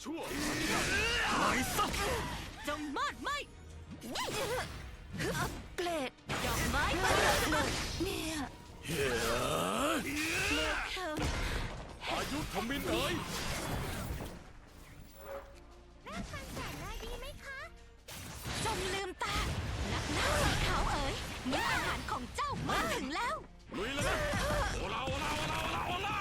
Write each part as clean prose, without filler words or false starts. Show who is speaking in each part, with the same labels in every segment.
Speaker 1: ชั่วตายซะ
Speaker 2: จงมาดไหม
Speaker 3: เกรด
Speaker 2: ดอกไม้บานเลย
Speaker 3: เนี่ย
Speaker 1: เฮ้อายุทมินเอ๋ย
Speaker 4: รับฟังแสงเลยดีไหมคะ
Speaker 2: จงลืมตานักหน้าสีขาวเอ๋ยมื้ออาหารของเจ้ามาถึงแล้ว
Speaker 1: ลุยแล้วนะโอลาโอลาโอลาโอลาโอลา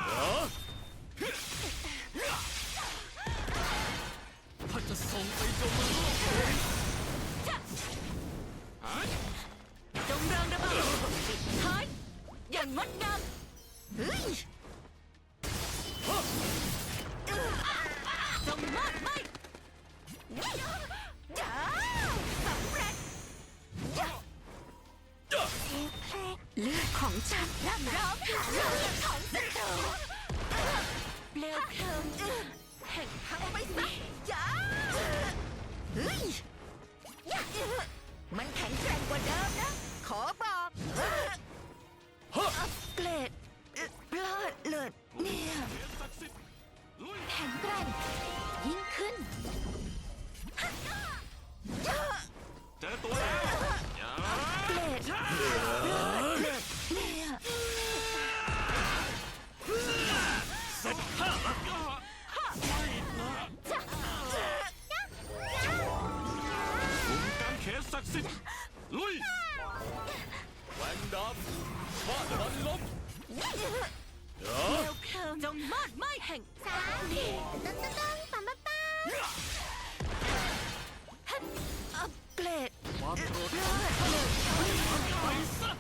Speaker 1: ถ้าจะส่งไปจงมาโลก
Speaker 2: จงเริงระเบิดปิดท้ายอย่างงดงาม
Speaker 3: เฮ้ย
Speaker 2: จงมาดไหม
Speaker 3: จ้าสำเร็จเลือดของฉันร่ำร้องหาเลือดของศัตรู
Speaker 2: เปลวเพลิงแห่งพังไปซะ
Speaker 3: จ้าเฮ้ยมันแข็งแกร่งกว่าเดิมนะ ขอบอกเกรดพลาดเลิศเนี่ย
Speaker 2: แข็งแกร่งยิ่งขึ้น
Speaker 1: เจอตัวแล้ว
Speaker 3: เกรดเลิศเนี่ย
Speaker 1: เสร็จข้าไม่นะคุมการเขนศักดิ์สิทธิ์ลุยแหวนดำฟาดมันล้ม
Speaker 2: เปลวเพลิงจงมาดไหมแห่ง
Speaker 4: สามต้องปั๊มป้า
Speaker 3: เกรด
Speaker 1: ความโกรธ
Speaker 3: เลิศ
Speaker 1: ไปซะ